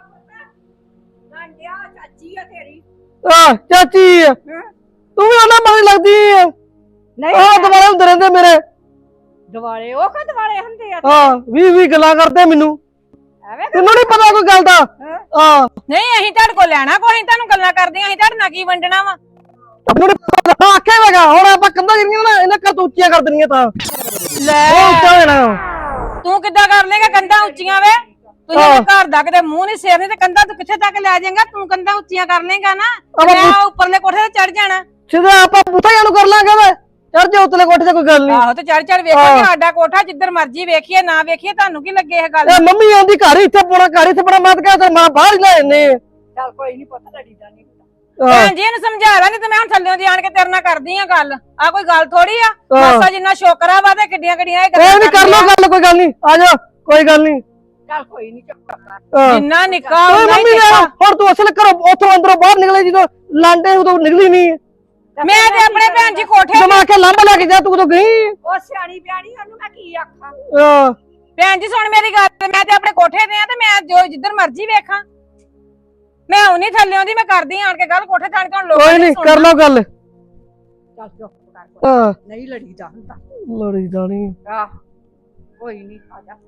S6: ਚਾਚੀ ਆ ਤੇਰੀ
S5: ਚਾਚੀ ਆ। ਤੂੰ ਵੀ ਉਹਨਾਂ ਮਗਰ ਲੱਗਦੀ ਆ। ਆਹ ਦੁਆਲੇ ਹੁੰਦੇ ਰਹਿੰਦੇ ਮੇਰੇ।
S6: ਦਿਵਾਲੇ ਉਹ ਕਾ ਦਿਵਾਲੇ ਹੁੰਦੇ ਆ
S5: ਹਾਂ 20 ਗੱਲਾਂ ਕਰਦੇ ਮੈਨੂੰ।
S6: ਐਵੇਂ
S5: ਤੈਨੂੰ ਨਹੀਂ ਪਤਾ ਕੋਈ ਗੱਲ ਦਾ। ਹਾਂ
S7: ਨਹੀਂ ਅਸੀਂ ਤੁਹਾਡੇ ਕੋਲ ਲੈਣਾ ਕੋਈ, ਅਸੀਂ ਤੁਹਾਨੂੰ ਗੱਲਾਂ ਕਰਦੀਆਂ, ਅਸੀਂ ਤੁਹਾਡੇ ਨਾਲ ਕੀ ਵੰਡਣਾ ਵਾ।
S5: ਮੈਨੂੰ ਨੀ ਪਤਾ ਆਖਿਆ ਹੈਗਾ। ਹੁਣ ਆਪਾਂ ਕੰਧਾਂ ਜਿਹੜੀਆਂ ਨਾ ਇਹਨਾਂ ਕਰ ਉੱਚੀਆਂ ਕਰ ਦੇਣੀਆਂ ਤਾਂ
S7: ਲੈ
S5: ਉਹ ਉੱਚਾ ਹੋ ਜਾਣਾ।
S7: ਤੂੰ ਕਿੱਦਾਂ ਕਰ ਲੇਗਾ ਕੰਧਾਂ ਉੱਚੀਆਂ ਵੇ? ਤੂੰ
S5: ਹਾਂ।
S7: ਘਰ ਦਾ ਕਿਤੇ ਮੂੰਹ ਨਹੀਂ ਸੇਰਨੇ ਤੇ ਕੰਧਾਂ ਤੂੰ ਕਿੱਥੇ ਤੱਕ ਲੈ ਜਾਏਗਾ? ਤੂੰ ਕੰਧਾਂ ਉੱਚੀਆਂ ਕਰ ਲੇਗਾ ਨਾ,
S5: ਆਪਾਂ
S7: ਮੈਂ ਉੱਪਰਲੇ ਕੋਠੇ ਤੇ ਚੜ ਜਾਣਾ।
S5: ਸਿੱਧਾ ਆਪਾਂ ਬੂਟਾ ਨੂੰ ਕਰ ਲਾਂਗੇ ਵੇ। ਚੜ ਜਾ ਉਤਲੇ ਕੋਠੇ ਤੇ ਕੋਈ ਗੱਲ ਨਹੀਂ।
S7: ਆਹੋ ਤੇ ਚੜ ਵੇਖਾਂਗੇ ਸਾਡਾ ਕੋਠਾ, ਜਿੱਧਰ ਮਰਜ਼ੀ ਵੇਖੀਏ ਨਾ ਵੇਖੀਏ, ਤੁਹਾਨੂੰ ਕੀ ਲੱਗੇ ਇਹ ਗੱਲ?
S5: ਇਹ ਮੰਮੀ ਆਂਦੀ ਘਰ ਇੱਥੇ ਪੋਣਾ ਘਰ ਇੱਥੇ ਬੜਾ ਮਤ ਕਹਿ ਤੇ ਮਾਂ ਬਾਹਰ ਹੀ ਲੈ ਜੰਨੇ।
S6: ਚੱਲ ਕੋਈ ਨਹੀਂ ਪਤਾ ਲੜੀਦਾ ਨਹੀਂ
S7: ਭੈਣ ਜੀ ਇਹਨੂੰ ਸਮਝਾ ਲਾ, ਨਹੀਂ ਤੇ ਮੈਂ ਹੁਣ ਥੱਲਿਓਂ ਦੀ ਆਣ ਕੇ ਤੇਰੇ ਨਾਲ ਕਰਦੀ ਆ ਗੱਲ। ਆ ਕੋਈ ਗੱਲ ਥੋੜੀ ਆ, ਮਾਸਾ ਜਿੰਨਾ ਸ਼ੋਕਰਾ ਵਾ ਤੇ ਕਿੱਡੀਆਂ ਕਿੱਡੀਆਂ ਇਹ
S5: ਕੋਈ ਨਹੀਂ ਕਰ ਲੋ ਗੱਲ ਕੋਈ ਗੱਲ ਨਹੀਂ। ਆ ਜਾ ਕੋਈ ਗੱਲ ਨਹੀਂ।
S6: ਚੱਲ ਕੋਈ ਨਹੀਂ ਚੱਲ
S7: ਜਿੰਨਾ ਨਿੱਕਾ
S5: ਓਏ
S7: ਉਨਾ ਹੀ
S5: ਮੰਮੀ ਨੇ
S7: ਤਿੱਖਾ।
S5: ਹੁਣ ਤੂੰ ਅਸਲ ਘਰੋਂ ਉੱਥੋਂ ਅੰਦਰੋਂ ਬਾਹਰ ਨਿਕਲੇ ਜਦੋਂ ਲਾਂਡੇ ਉਦੋਂ ਨਿਕਲੀ ਨਹੀਂ।
S7: ਮੈਂ ਤੇ ਆਪਣੇ ਭੈਣ ਜੀ ਕੋਠੇ
S5: ਜਮਾ ਕੇ ਲਾਂਬਾ ਲੈ ਕੇ ਜਾ ਤੂੰ ਉਦੋਂ ਗਈ।
S6: ਉਹ ਸਿਆਣੀ ਬਿਆਣੀ ਉਹਨੂੰ ਮੈਂ ਕੀ ਆਖਾਂ।
S7: ਭੈਣ ਜੀ ਸੁਣ ਮੇਰੀ ਗੱਲ, ਮੈਂ ਤੇ ਆਪਣੇ ਕੋਠੇ ਤੇ ਆ ਤੇ ਮੈਂ ਜੋ ਜਿੱਧਰ ਮਰਜ਼ੀ ਵੇਖਾਂ। ਮੈਂ ਹੁਣੀ ਥੱਲਿਓਂ ਦੀ ਮੈਂ ਕਰਦੀ ਆਣ ਕੇ ਗੱਲ ਕੋਠੇ ਤੇ ਆਣ ਕੇ ਹੁਣ ਲੋਕਾਂ
S5: ਕੋਈ
S7: ਨੇ
S5: ਨਹੀਂ
S7: ਸੁਣਨਾ।
S5: ਕਰ ਲੋ ਗੱਲ।
S6: ਚੱਲ ਚੁੱਪ ਕਰ ਕੋਈ
S5: ਹਾਂ
S6: ਨਹੀਂ ਲੜੀਦਾ ਹੁੰਦਾ।
S5: ਲੜੀ ਜਾਣੀ।
S6: ਆਹ ਕੋਈ ਨਹੀਂ ਆ ਜਾ।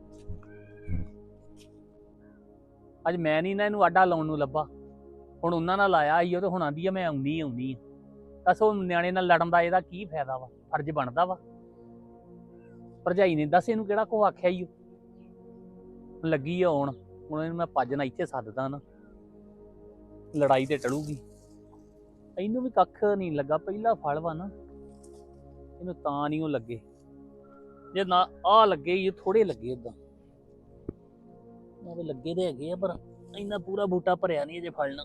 S8: ਅੱਜ ਮੈਂ ਨਹੀਂ ਨਾ ਇਹਨੂੰ ਆਡਾ ਲਾਉਣ ਨੂੰ ਲੱਭਾ। ਹੁਣ ਉਹਨਾਂ ਨਾਲ ਆਇਆ ਈ ਉਹ ਤੇ ਹੁਣ ਆਂਦੀ ਆ ਮੈਂ ਆਉਣੀ ਆ। ਦੱਸ ਉਹ ਨਿਆਣੇ ਨਾਲ ਲੜਨ ਦਾ ਇਹਦਾ ਕੀ ਫਾਇਦਾ ਵਾ? ਫਰਜ਼ ਬਣਦਾ ਵਾ ਭਰਜਾਈ ਨੇ। ਦੱਸ ਇਹਨੂੰ ਕਿਹੜਾ ਕੋ ਆਖਿਆ ਈ ਉਹ ਲੱਗੀ ਆ ਆਉਣ। ਹੁਣ ਇਹਨੂੰ ਮੈਂ ਭੱਜ ਨਾ ਇੱਥੇ ਸੱਦਦਾ ਨਾ, ਲੜਾਈ ਤੇ ਟਲੂਗੀ। ਇਹਨੂੰ ਵੀ ਕੱਖ ਨਹੀਂ ਲੱਗਾ। ਪਹਿਲਾ ਫਲ ਵਾ ਨਾ, ਇਹਨੂੰ ਤਾਂ ਨਹੀਂ ਉਹ ਲੱਗੇ। ਜੇ ਨਾ ਆ ਲੱਗੇ ਈ ਥੋੜੇ ਲੱਗੇ ਓਦਾਂ ਉਹ ਲੱਗੇ ਦੇ ਹੈਗੇ ਆ, ਪਰ ਇੰਨਾ ਪੂਰਾ ਬੂਟਾ ਭਰਿਆ ਨਹੀਂ ਅਜੇ ਫਲਣਾ।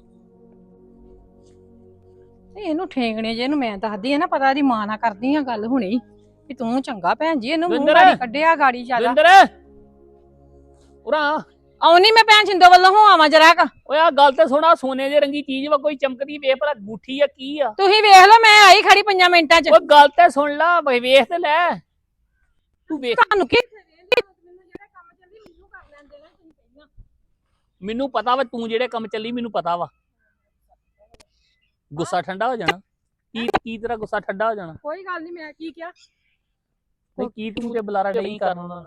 S7: ਇਹਨੂੰ ਠੇਂਗਣੇ ਜੇ ਇਹਨੂੰ ਮੈਂ ਦੱਸਦੀ ਆ ਨਾ, ਪਤਾ ਇਹਦੀ ਮਾਂ ਨਾਲ ਕਰਦੀ ਆ ਗੱਲ ਹੁਣੀ ਵੀ ਤੂੰ ਚੰਗਾ ਭੈਣ ਜੀ, ਇਹਨੂੰ ਮੂੰਹ
S8: ਦਵਿੰਦਰ!
S7: ਗਾੜੀ ਕੱਢਿਆ ਗਾੜੀ ਚੱਲ।
S8: ਦਵਿੰਦਰ ਉਰਾ
S7: ਆਉਣੀ ਮੈਂ ਭੈਣ ਛਿੰਦੋ ਵੱਲੋਂ ਹੋ ਆਵਾਂ ਜਰਾ ਕ।
S8: ਓਏ ਆ ਗੱਲ ਤੇ ਸੁਣਾ, ਸੋਨੇ ਦੇ ਰੰਗੀ ਚੀਜ਼ ਵਾ ਕੋਈ ਚਮਕਦੀ, ਵੇਖ ਭਲਾ ਗੂਠੀ ਆ ਕੀ ਆ?
S7: ਤੁਸੀਂ ਵੇਖ ਲਓ, ਮੈਂ ਆਈ ਖੜੀ 5 ਮਿੰਟਾਂ ਚ।
S8: ਓਏ ਗੱਲ ਤੇ ਸੁਣ ਲਾ, ਵੇਖ ਤੇ ਲੈ ਤੂੰ ਵੇਖ।
S7: ਤੁਹਾਨੂੰ ਕੀ
S8: ਮੈਨੂੰ ਪਤਾ ਵਾ ਤੂੰ ਜਿਹੜੇ ਕੰਮ ਚੱਲੀ, ਮੈਨੂੰ ਪਤਾ ਵਾ। ਗੁੱਸਾ ਠੰਡਾ ਹੋ ਜਾਣਾ। ਕੀ ਤੇਰਾ ਗੁੱਸਾ ਠੰਡਾ ਹੋ ਜਾਣਾ?
S7: ਕੋਈ ਗੱਲ ਨਹੀਂ, ਮੈਂ ਕੀ ਕਿਹਾ?
S8: ਨਹੀਂ ਕੀ ਤੂੰ ਤੇ ਬੁਲਾਰਾ ਨਹੀਂ ਕਰਨਾ?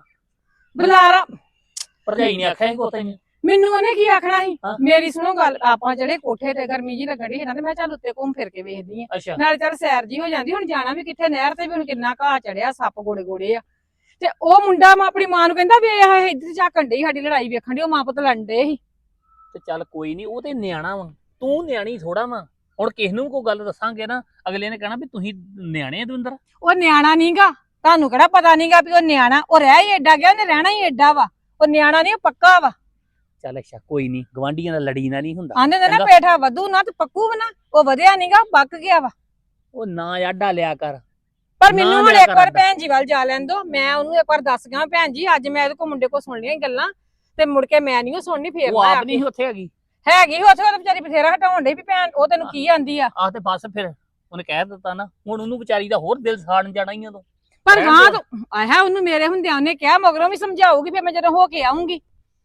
S7: ਬੁਲਾਰਾ
S8: ਭਰਜਾਈ ਨੇ ਆਖਿਆ ਕੋ ਤੈਨੂੰ?
S7: ਮੈਨੂੰ ਉਹਨੇ ਕੀ ਆਖਣਾ ਸੀ?
S8: ਹਾਂ।
S7: ਮੇਰੀ ਸੁਣੋ ਗੱਲ, ਆਪਾਂ ਜਿਹੜੇ ਕੋਠੇ ਤੇ ਗਰਮੀ ਜੀ ਲੱਗਣ ਦੀ ਹੈ ਨਾ, ਤੇ ਮੈਂ ਚੱਲ ਉੱਤੇ ਘੁੰਮ ਫਿਰ ਕੇ ਵੇਖਦੀ ਆ,
S8: ਅੱਛਾ
S7: ਨਾਲੇ ਚੱਲ ਸੈਰ ਜੀ ਹੋ ਜਾਂਦੀ। ਹੁਣ ਜਾਣਾ ਵੀ ਕਿੱਥੇ, ਨਹਿਰ ਤੇ ਵੀ ਹੁਣ ਕਿੰਨਾ ਘਾਹ ਚੜਿਆ, ਸੱਪ ਗੋੜੇ ਗੋੜੇ ਆ। ਤੇ ਉਹ ਮੁੰਡਾ ਮੈਂ ਆਪਣੀ ਮਾਂ ਨੂੰ ਕਹਿੰਦਾ ਵੀ ਇਹ ਇੱਧਰ ਝਾਕਣ ਡਈ ਸਾਡੀ ਲੜਾਈ ਵੇਖਣ ਦੀ, ਉਹ ਮਾਂ ਪੁੱਤ ਲੜਨ ਡੇ ਸੀ।
S8: ਤੇ ਚੱਲ ਕੋਈ ਨਹੀਂ, ਉਹ ਤੇ ਨਿਆਣਾ ਵਾ, ਤੂੰ ਨਿਆਣੀ ਥੋੜਾ ਵਾ। ਹੁਣ ਕਿਸ ਨੂੰ ਕੋਈ ਗੱਲ ਦੱਸਾਂਗੇ ਨਾ, ਅਗਲੇ ਨੇ ਕਹਿਣਾ ਵੀ ਤੁਸੀਂ ਨਿਆਣੇ ਆ ਦਵਿੰਦਰ।
S7: ਉਹ ਨਿਆਣਾ ਨਹੀਂਗਾ, ਤੁਹਾਨੂੰ ਕਿਹੜਾ ਪਤਾ ਨਹੀਂਗਾ ਵੀ ਉਹ ਨਿਆਣਾ? ਉਹ ਰਹਿ ਹੀ ਏਡਾ ਗਿਆ, ਉਹਨੇ ਰਹਿਣਾ ਹੀ ਏਡਾ ਵਾ। ਉਹ ਨਿਆਣਾ ਨਹੀਂ, ਉਹ ਪੱਕਾ ਵਾ।
S8: ਚੱਲ ਅੱਛਾ ਕੋਈ ਨਹੀਂ, ਗਵਾਂਢੀਆਂ ਦਾ ਲੜੀ ਨਾ ਨਹੀਂ ਹੁੰਦਾ।
S7: ਆਂਦੇ ਨੇ ਨਾ
S8: ਚੰਗਾ।
S7: ਪੇਠਾ ਵਧੂ ਨਾ ਤੇ ਪੱਕੂ ਵੀ ਨਾ, ਉਹ ਵਧਿਆ ਨਹੀਂਗਾ, ਪੱਕ ਗਿਆ ਵਾ।
S8: ਉਹ ਨਾ ਆਡਾ ਲਿਆ ਕਰ।
S7: ਪਰ
S8: ਨਾ
S7: ਮੈਨੂੰ ਹੁਣ
S8: ਲਿਆ
S7: ਇੱਕ
S8: ਕਰ
S7: ਵਾਰ
S8: ਆਡਾ।
S7: ਭੈਣ ਜੀ ਵੱਲ ਜਾ ਲੈਣ ਦੋ, ਮੈਂ ਉਹਨੂੰ ਇੱਕ ਵਾਰ ਦੱਸ ਗਿਆ ਭੈਣ ਜੀ, ਅੱਜ ਮੈਂ ਇਹਦੇ ਕੋਲ ਮੁੰਡੇ ਕੋਲ ਸੁਣ ਲਈਆਂ ਗੱਲਾਂ, ਤੇ ਮੁੜ ਕੇ ਮੈਂ ਨਹੀਂ ਉਹ ਸੁਣਨੀ। ਫੇਰ
S8: ਉਹ
S7: ਮੈਂ
S8: ਆਪ ਨਹੀਂ ਉੱਥੇ ਹੈਗੀ।
S7: ਹੈਗੀ ਉੱਥੇ, ਉਹ ਵਿਚਾਰੀ ਬਥੇਰਾ ਹਟਾਉਣ ਡਈ ਵੀ ਭੈਣ ਉਹ ਤੈਨੂੰ ਕੀ ਆਂਦੀ ਆ।
S8: ਆਹ ਤੇ ਬਸ ਫਿਰ ਉਹਨੇ ਕਹਿ ਦਿੱਤਾ ਨਾ, ਹੁਣ ਉਹਨੂੰ ਵਿਚਾਰੀ ਦਾ ਹੋਰ ਦਿਲ ਸਾੜਨ ਜਾਣਾ ਹੀ ਉਦੋਂ।
S7: ਪਰ
S8: ਰਹਿਣ
S7: ਹਾਂ
S8: ਦਿਓ।
S7: ਤੂੰ ਆਇਆ ਉਹਨੂੰ ਮੇਰੇ ਹੁੰਦਿਆਂ ਉਹਨੇ ਕਿਹਾ, ਮਗਰੋਂ ਵੀ ਸਮਝਾਊਗੀ ਫਿਰ ਮੈਂ ਜਦੋਂ ਹੋ ਕੇ ਆਉਂਗੀ।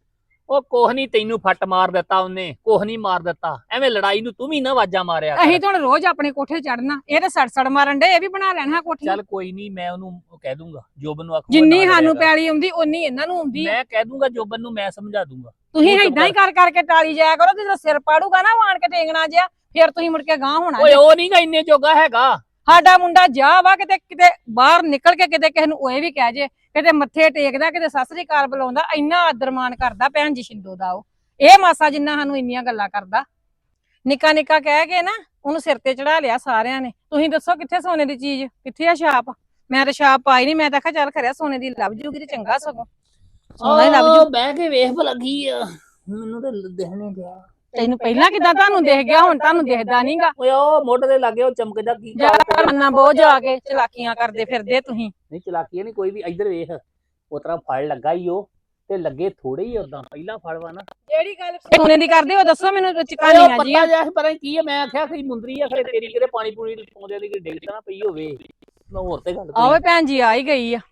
S8: ਉਹ ਕੋਹ ਨਹੀਂ ਤੈਨੂੰ ਫੱਟ ਮਾਰ ਦਿੱਤਾ ਉਹਨੇ, ਕੋਹ ਨਹੀਂ ਮਾਰ ਦਿੱਤਾ। ਐਵੇਂ ਲੜਾਈ ਨੂੰ ਤੂੰ ਵੀ ਨਾ ਆਵਾਜ਼ਾਂ ਮਾਰਿਆ ਕਰ।
S7: ਅਸੀਂ ਤਾਂ ਹੁਣ ਰੋਜ਼ ਆਪਣੇ ਕੋਠੇ ਚੜਨਾ, ਇਹ ਤਾਂ ਸੜ ਮਾਰਨ ਡੇ, ਇਹ ਵੀ ਬਣਾ ਲੈਣਾ ਕੋਠੀ।
S8: ਚੱਲ ਕੋਈ ਨਹੀਂ, ਮੈਂ ਉਹਨੂੰ ਕਹਿ ਦੂੰਗਾ, ਜੋਬਨ ਨੂੰ ਆਖੂੰਗਾ
S7: ਜਿੰਨੀ
S8: ਨਾ
S7: ਸਾਨੂੰ
S8: ਲੜਿਆ
S7: ਪੈਲੀ ਆਉਂਦੀ ਓਨੀ ਇਹਨਾਂ ਨੂੰ ਆਉਂਦੀ
S8: ਕਰ।
S7: ਆ।
S8: ਮੈਂ ਕਹਿ ਦੂੰਗਾ ਜੋਬਨ ਨੂੰ, ਮੈਂ ਸਮਝਾ ਦੂੰਗਾ।
S7: ਤੁਸੀਂ
S8: ਤੂੰ ਚੁੱਪ
S7: ਏਦਾਂ ਹੀ ਕਰ ਕਰਕੇ ਟਾਲੀ ਜਾਇਆ ਕਰੋ, ਜਦੋਂ ਸਿਰ ਪਾੜੂਗਾ ਨਾ ਆਣ ਕੇ ਟੇਂਗਣਾ ਜਿਆ, ਫਿਰ ਤੁਸੀਂ ਮੁੜ ਕੇ ਗਾਂਹ ਹੋਣਾ
S8: ਓਏ
S7: ਜੇ।
S8: ਉਹ ਨਹੀਂਗਾ ਇੰਨੇ ਜੋਗਾ ਹੈਗਾ।
S7: ਸਾਡਾ ਮੁੰਡਾ ਜਾ ਵਾ ਕਿਤੇ ਕਿਤੇ ਬਾਹਰ ਨਿਕਲ ਕੇ ਕਿਤੇ ਕਿਸੇ ਨੂੰ ਇਹ ਵੀ ਕਹਿ ਜੇ, ਕਿਤੇ ਮੱਥੇ ਟੇਕਦਾ, ਕਿਤੇ ਸਤਿ ਸ੍ਰੀ ਅਕਾਲ ਬੁਲਾਉਂਦਾ, ਇੰਨਾ ਆਦਰਮਾਨ ਕਰਦਾ ਭੈਣ ਜੀ ਸ਼ਿੰਦੋ ਦਾ। ਉਹ ਇਹ ਮਾਸਾ ਜਿੰਨਾ ਸਾਨੂੰ ਇੰਨੀਆਂ ਗੱਲਾਂ ਕਰਦਾ, ਨਿੱਕਾ ਨਿੱਕਾ ਕਹਿ ਕੇ ਨਾ ਉਹਨੂੰ ਸਿਰ ਤੇ ਚੜਾ ਲਿਆ ਸਾਰਿਆਂ ਨੇ। ਤੁਸੀਂ ਦੱਸੋ ਕਿੱਥੇ ਸੋਨੇ ਦੀ ਚੀਜ਼, ਕਿੱਥੇ ਆ ਛਾਪ? ਮੈਂ ਤਾਂ ਛਾਪ ਪਾਈ ਨਹੀਂ, ਮੈਂ ਤਾਂ ਕਿਹਾ ਚੱਲ ਖਰਿਆ ਸੋਨੇ ਦੀ ਲੱਭ ਜੂਗੀ ਤੇ ਚੰਗਾ, ਸਗੋਂ ਸੋਨਾ ਹੀ ਲੱਭ ਜੂ।
S8: ਬਹਿ ਕੇ ਵੇਖ ਭਲਾ ਕੀ ਆ, ਮੈਨੂੰ ਤਾਂ ਦਿਖਣੇ ਗਿਆ।
S7: ਤੈਨੂੰ ਪਹਿਲਾਂ ਕਿੱਦਾਂ ਤੁਹਾਨੂੰ ਦਿਖ ਗਿਆ, ਹੁਣ ਤੁਹਾਨੂੰ ਦਿਖਦਾ ਨਹੀਂਗਾ।
S8: ਓਏ ਉਹ ਮੋਢੇ ਦੇ ਲਾਗੇ ਉਹ ਚਮਕਦਾ ਕੀ
S7: ਮੰਨਾ ਬਹੁਤ ਜਾ ਕੇ ਚਲਾਕੀਆਂ ਕਰਦੇ ਫਿਰਦੇ ਤੁਸੀਂ।
S8: ਨਹੀਂ ਚਲਾਕੀ ਨਹੀਂ ਕੋਈ ਵੀ। ਇੱਧਰ ਵੇਖ, ਉਹ ਤਰ੍ਹਾਂ ਫੜ ਲੱਗਾ ਈ ਉਹ, ਤੇ ਲੱਗੇ ਥੋੜੇ ਹੀ ਉਦਾਂ ਪਹਿਲਾ ਫਲ ਵਾ ਨਾ
S7: ਜਿਹੜੀ ਗੱਲ ਸੋਨੇ ਦੀ ਕਰਦੇ ਹੋ ਦੱਸੋ ਮੈਨੂੰ
S8: ਉਹ
S7: ਚਕਾਨੀਆਂ ਜੀ
S8: ਪਤਾ ਜਿਹਾ ਪਤਾ ਨੀ ਕੀ ਆ ਮੈਂ ਆਖਿਆ ਕਿ ਮੁੰਦਰੀ ਆ ਖਰੇ ਤੇਰੀ ਕਿਤੇ ਪਾਣੀ ਪੂਣੀ ਪਾਉਂਦੇ ਦੀ ਡਿੱਗ ਤਾਂ ਨਾ ਪਈ ਹੋਵੇ ਮੈਂ ਹੋਰ ਤੇ ਗੱਲ
S7: ਆਵੇ ਭੈਣ ਜੀ ਆ ਹੀ ਗਈ ਆ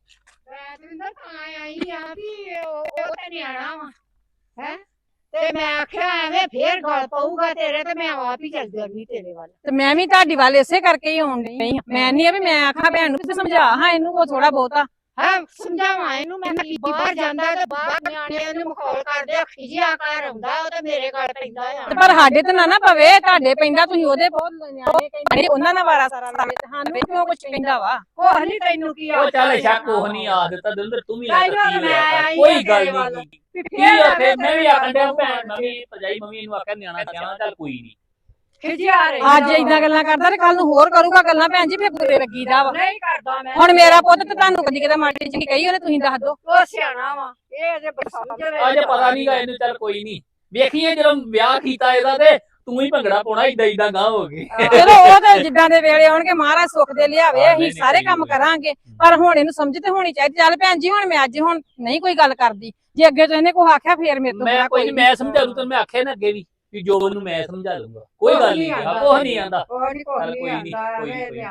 S6: ਦਵਿੰਦਰ ਤਾਂ ਆਈ ਆ ਵੀ ਉਹ ਤੇ ਨਿਆਣਾ ਵਾ ਹੈ ਤੇ ਮੈਂ ਆਖਿਆ ਐਵੇਂ ਫੇਰ ਗਲ ਪਊਗਾ ਤੇਰੇ ਤੇ ਮੈਂ ਆਪ ਹੀ ਚੱਲ ਜਾਣੀ ਤੇਰੇ ਵੱਲ
S7: ਤੇ ਮੈਂ ਵੀ ਤੁਹਾਡੀ ਵੱਲ ਇਸੇ ਕਰਕੇ ਹੀ ਆਉਣ ਡਈ ਆ ਮੈਂ ਨਹੀਂ ਆ ਵੀ ਮੈਂ ਆਖਾਂ ਭੈਣ ਨੂੰ ਤੇ ਸਮਝਾ ਹਾਂ ਇਹਨੂੰ ਕੋ ਥੋੜਾ ਬਹੁਤਾ
S6: ਹਾਂ ਸਮਝਾਵਾਂ ਇਹਨੂੰ ਮੈਂ ਕਿ ਬਾਹਰ ਜਾਂਦਾ ਤੇ ਬਾਹਰ ਨਿਆਣੇ ਨੂੰ ਮਖੌਲ ਕਰਦੇ ਖਿਜਿਆ ਕਰ ਆਉਂਦਾ ਉਹ ਤੇ ਮੇਰੇ ਗਲ ਪੈਂਦਾ ਆ
S7: ਤੇ ਪਰ ਸਾਡੇ ਤੇ ਨਾ ਪਵੇ ਤੁਹਾਡੇ ਪੈਂਦਾ ਤੁਸੀਂ ਉਹਦੇ ਬਹੁਤ ਨਿਆਣੇ ਕਹਿੰਦੇ ਉਹਨਾਂ ਨਾਲ ਵਾਰਾ ਸਾਰਾ ਲਾਵੇ ਤੇ ਸਾਨੂੰ ਕਿਉਂ ਕੁਛ ਕਹਿੰਦਾ ਵਾ
S6: ਕੋਹ ਨਹੀਂ ਤੈਨੂੰ ਕੀ
S8: ਉਹ ਚੱਲ ਸ਼ੱਕ ਉਹ ਨਹੀਂ ਆ ਦਿੱਤਾ ਦਿਲਦਰ ਤੂੰ ਵੀ
S6: ਤਾਈ
S8: ਨਾ
S6: ਹੁਣ
S8: ਕੀ
S6: ਮੈਂ
S8: ਹੋਇਆ
S6: ਆਈ
S8: ਕੋਈ
S6: ਆ
S8: ਗੱਲ
S6: ਤੇਰੇ ਵੱਲ।
S8: ਨਹੀਂ ਕੀ ਆ ਫੇ ਮੈਂ ਵੀ ਆਖਣ ਡਿਆ ਭੈਣ ਮੈਂ ਵੀ ਭਜਾਈ ਮੰਮੀ ਇਹਨੂੰ ਆਖਿਆ ਨਿਆਣਾ ਸਿਆਣਾ ਚੱਲ ਕੋਈ ਨਹੀਂ
S6: ਖਿਜਿਆ ਰਹੀ
S7: ਅੱਜ ਇਦਾਂ ਗੱਲਾਂ ਕਰਦਾ ਤੇ ਕੱਲ ਨੂੰ ਹੋਰ ਕਰੂਗਾ ਗੱਲਾਂ ਭੈਣ ਜੀ ਫੇਰ ਬੁਰੇ ਲੱਗੀਦਾ ਵਾ
S6: ਨਹੀਂ ਕਰਦਾ ਮੈਂ
S7: ਹੁਣ ਮੇਰਾ ਪੁੱਤ ਤੇ ਤੁਹਾਨੂੰ ਕਦੀ ਕਿਤੇ ਮਾੜੀ ਚੰਗੀ ਕਹੀ ਉਹਨੇ ਤੁਸੀਂ ਦੱਸ ਦਿਓ
S6: ਉਹ ਸਿਆਣਾ ਵਾ ਇਹ ਅਜੇ ਸਮਝ
S8: ਅਜੇ ਪਤਾ ਨਹੀਂਗਾ ਇਹਨੂੰ ਚੱਲ ਕੋਈ ਨਹੀਂ ਵੇਖੀਏ ਜਦੋਂ ਵਿਆਹ ਕੀਤਾ ਇਹਦਾ ਤੇ ਤੂੰ ਹੀ ਭੰਗੜਾ ਪਾਉਣਾ ਇਦਾਂ ਗਾਂ ਹੋ ਗਈ
S7: ਚਲੋ ਉਹ ਤੇ ਜਿੱਦਾਂ ਦੇ ਵੇਲੇ ਆਉਣਗੇ ਮਹਾਰਾਜ ਸੁੱਖ ਦੇ ਲਿਆਵੇ
S8: ਹਾਂ,
S7: ਅਸੀਂ
S8: ਨਹੀਂ,
S7: ਸਾਰੇ
S8: ਸਹੀ
S7: ਕੰਮ
S8: ਗੱਲ ਹੈ।
S7: ਕਰਾਂਗੇ ਪਰ ਹੁਣ ਇਹਨੂੰ ਸਮਝ ਤੇ ਹੋਣੀ ਚਾਹੀਦੀ ਚੱਲ ਭੈਣ ਜੀ ਹੁਣ ਮੈਂ ਅੱਜ ਹੁਣ ਨਹੀਂ ਕੋਈ ਗੱਲ ਕਰਦੀ ਜੇ ਅੱਗੇ ਤੋਂ ਇਹਨੇ ਕੋਈ ਆਖਿਆ ਫੇਰ ਮੇਰੇ ਤੋਂ
S8: ਮੈਂ
S7: ਬੁਰਾ
S8: ਕੋਈ ਨਹੀਂ ਮੈਂ ਸਮਝਾ ਲੂ ਤੈਨੂੰ ਮੈਂ ਆਖਿਆ ਨਾ ਅੱਗੇ ਵੀ ਜੋ ਉਹਨੂੰ ਮੈਂ ਸਮਝਾ ਲੂੰਗਾ ਕੋਈ ਗੱਲ ਨਹੀਂ ਕੁਛ ਨਹੀਂ ਆਂਦਾ
S6: ਕੋਈ ਨਹੀਂ
S8: ਚੱਲ ਕੋਈ ਨੀ, ਕੋਈ ਨੀ, ਕੋਈ ਨੀ।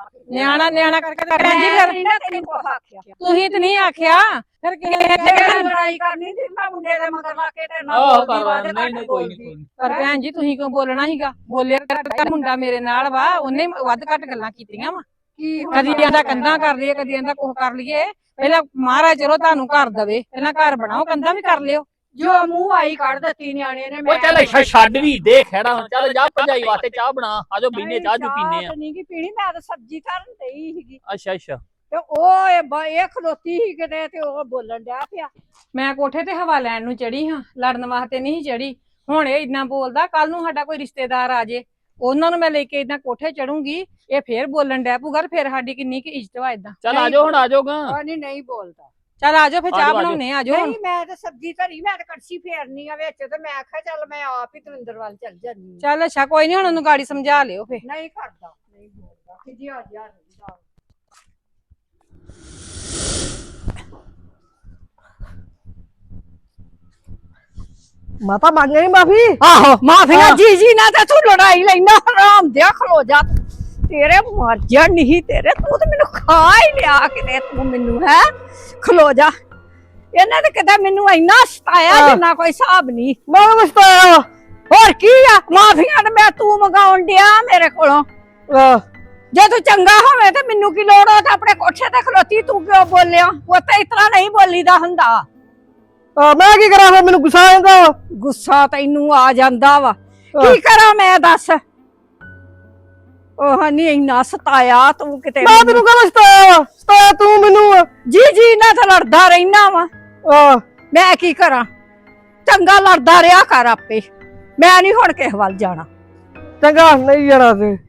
S7: ਨਿਆਣਾ ਕਰਕੇ ਤੇ ਭੈਣ ਜੀ ਫਿਰ
S6: ਨਾ ਤੈਨੂੰ ਕੋ ਆਖਿਆ
S7: ਤੁਸੀਂ ਤੇ ਨਹੀਂ ਆਖਿਆ ਫਿਰ
S6: ਜੇ ਲੜਾਈ ਕਰਨੀ ਤੇ ਮੈਂ ਮੁੰਡੇ ਦੇ ਮਗਰ ਲਾ ਕੇ ਤੇ ਨਾ
S8: ਆਹ
S6: ਬੋਲਦੀ ਵਾ ਤੇ
S8: ਨਹੀਂ ਨਹੀਂ ਕੋਈ ਨਹੀਂ
S7: ਪਰ ਭੈਣ ਜੀ ਤੁਸੀਂ ਕਿਉਂ ਬੋਲਣਾ ਸੀਗਾ ਬੋਲਿਆ ਕਰ ਮੁੰਡਾ ਮੇਰੇ ਨਾਲ ਵਾ ਉਹਨੇ ਵੱਧ ਘੱਟ ਗੱਲਾਂ ਕੀਤੀਆਂ ਵਾ
S6: ਕੀ
S7: ਕਦੀ ਆਂਦਾ ਕੰਧਾਂ ਕਰ ਲਈਏ ਕਦੀ ਆਂਦਾ ਕੁਝ ਕਰ ਲਈਏ ਪਹਿਲਾਂ ਮਹਾਰਾਜ ਚਲੋ ਤੁਹਾਨੂੰ ਘਰ ਦਵੇ ਪਹਿਲਾਂ ਘਰ ਬਣਾਓ ਕੰਧਾਂ ਵੀ ਕਰ ਲਿਓ
S6: ਜੋ ਮੂੰਹ ਆਈ ਕੱਢ ਦਿੱਤੀ ਨਿਆਣੇ ਨੇ
S8: ਉਹ ਚੱਲ ਛੱਡ ਵੀ ਦੇ ਖੜਾ ਹੁਣ ਚੱਲ ਜਾ ਭਜਾਈ ਵਾਸਤੇ ਚਾਹ ਬਣਾ ਆਜੋ ਬੀਨੇ ਚਾਹ ਜੂ ਪੀਨੇ ਆ
S6: ਨਹੀਂ ਕੀ ਪੀਣੀ ਮੈਂ ਤਾਂ ਸਬਜ਼ੀ ਧਰਨ ਡਈ ਸੀਗੀ
S8: ਅੱਛਾ ਅੱਛਾ
S6: ਤੇ ਉਹ ਇਹ ਖਲੋਤੀ ਸੀ ਕਿਤੇ ਤੇ ਉਹ ਬੋਲਣ ਡਿਆ ਪਿਆ
S7: ਮੈਂ ਕੋਠੇ ਤੇ ਹਵਾ ਲੈਣ ਨੂੰ ਚੜੀ ਹਾਂ ਲੜਨ ਵਾਸਤੇ ਨਹੀਂ ਚੜੀ ਹੁਣ ਇਹ ਇਦਾਂ ਬੋਲਦਾ ਕੱਲ ਨੂੰ ਸਾਡਾ ਕੋਈ ਰਿਸ਼ਤੇਦਾਰ ਆ ਜੇ ਉਹਨਾਂ ਨੂੰ ਮੈਂ ਲੈ ਕੇ ਇਦਾਂ ਕੋਠੇ ਚੜੂੰਗੀ ਇਹ ਫੇਰ ਬੋਲਣ ਡੈ ਪੂਗਾ ਫੇਰ ਸਾਡੀ ਕਿੰਨੀ ਕੀ ਇੱਜ਼ਤ ਵਾ ਇਦਾਂ
S8: ਚੱਲ ਆਜੋ ਹੁਣ ਆਜੋਗਾ
S6: ਉਹ ਨਹੀਂ ਬੋਲਦਾ
S7: ਚੱਲ ਆਜੋ ਫੇਰ ਚਾਹ
S8: ਆਜੋ, ਆਜੋ।
S7: ਬਣਾਉਣੇ ਆਜੋ ਹੁਣ
S6: ਨਹੀਂ ਮੈਂ ਤਾਂ ਸਬਜ਼ੀ ਧਰੀ ਮੈਂ ਤਾਂ ਕੜਛੀ ਫੇਰਨੀ ਆ ਵਿੱਚ ਤੇ ਮੈਂ ਆਖਿਆ ਚੱਲ ਮੈਂ ਆਪ ਹੀ ਦਵਿੰਦਰ ਵੱਲ ਚੱਲ ਜਾਂਦੀ
S7: ਚੱਲ ਅੱਛਾ ਕੋਈ ਨਹੀਂ ਹੁਣ ਉਹਨੂੰ ਗਾੜੀ ਸਮਝਾ ਲਿਓ ਫੇਰ
S6: ਨਹੀਂ ਕਰਦਾ ਨਹੀਂ ਬੋਲਦਾ ਕਿ ਜੀ ਆ ਜਾ ਰਹਿੰਦਾ
S5: ਮਾਤਾ ਮੰਗ ਲਈ ਮਾਫੀ
S6: ਆਹੋ ਮਾਫੀਆਂ
S5: ਹਾਂ।
S6: ਜੀ ਜੀ ਨਾ ਤੇ ਤੂੰ ਲੜਾਈ ਲੈਣਾ ਹਰਾਮ ਦਿਆ ਖਲੋ ਜਾ ਤੇਰੇ ਮਰ ਜਾ ਨਹੀਂ ਤੇਰੇ ਤੂੰ ਤੇ ਮੈਨੂੰ ਖਾ ਹੀ ਲਿਆ ਕਿਤੇ ਤੂੰ ਮੈਨੂੰ ਹੈ ਖਲੋ ਜਾ ਇਹਨਾਂ ਨੇ ਕਿਤੇ ਮੈਨੂੰ ਇੰਨਾ ਸਤਾਇਆ
S5: ਹਾਂ।
S6: ਜਿੰਨਾ ਕੋਈ ਹਿਸਾਬ ਨਹੀਂ
S5: ਮੈਂ ਮਸਤਾਇਆ
S6: ਹੋਰ ਕੀ ਆ ਮਾਫੀਆਂ ਤੇ ਮੈਂ ਤੂੰ ਮੰਗਾਉਣ ਡਿਆ ਮੇਰੇ ਕੋਲੋਂ ਜੇ ਤੂੰ ਚੰਗਾ ਹੋਵੇ ਤੇ ਮੈਨੂੰ ਕੀ ਲੋੜ ਆ ਤਾਂ ਆਪਣੇ ਕੋਠੇ ਤੇ ਖਲੋਤੀ ਤੂੰ ਕਿਉਂ ਬੋਲਿਆ ਉਹ ਤਾਂ ਇਤਨਾ ਨਹੀਂ ਬੋਲੀਦਾ ਹੁੰਦਾ
S5: ਮੈਂ ਕੀ ਕਰਾਂ ਫਿਰ ਮੈਨੂੰ ਗੁੱਸਾ ਆ ਜਾਂਦਾ ਵਾ।
S6: ਗੁੱਸਾ ਤੈਨੂੰ ਆ ਜਾਂਦਾ ਵਾ ਕੀ ਕਰਾਂ ਮੈਂ ਦੱਸ ਉਹ ਨਹੀਂ ਇੰਨਾ ਸਤਾਇਆ ਤੂੰ ਕਿਤੇ
S5: ਮੈਂ ਤੈਨੂੰ ਕਹਿੰਦਾ ਸਤਾਇਆ ਤੂੰ ਮੈਨੂੰ
S6: ਜੀ ਜੀ ਨਾ ਤਾਂ ਲੜਦਾ ਰਹਿਣਾ ਵਾ ਮੈਂ ਕੀ ਕਰਾਂ ਚੰਗਾ ਲੜਦਾ ਰਿਹਾ ਕਰ ਆਪੇ ਮੈਂ ਨਹੀਂ ਹੁਣ ਕਿਸੇ ਵੱਲ ਜਾਣਾ
S5: ਚੰਗਾ ਨਹੀਂ ਜਾਣਾ ਤੇ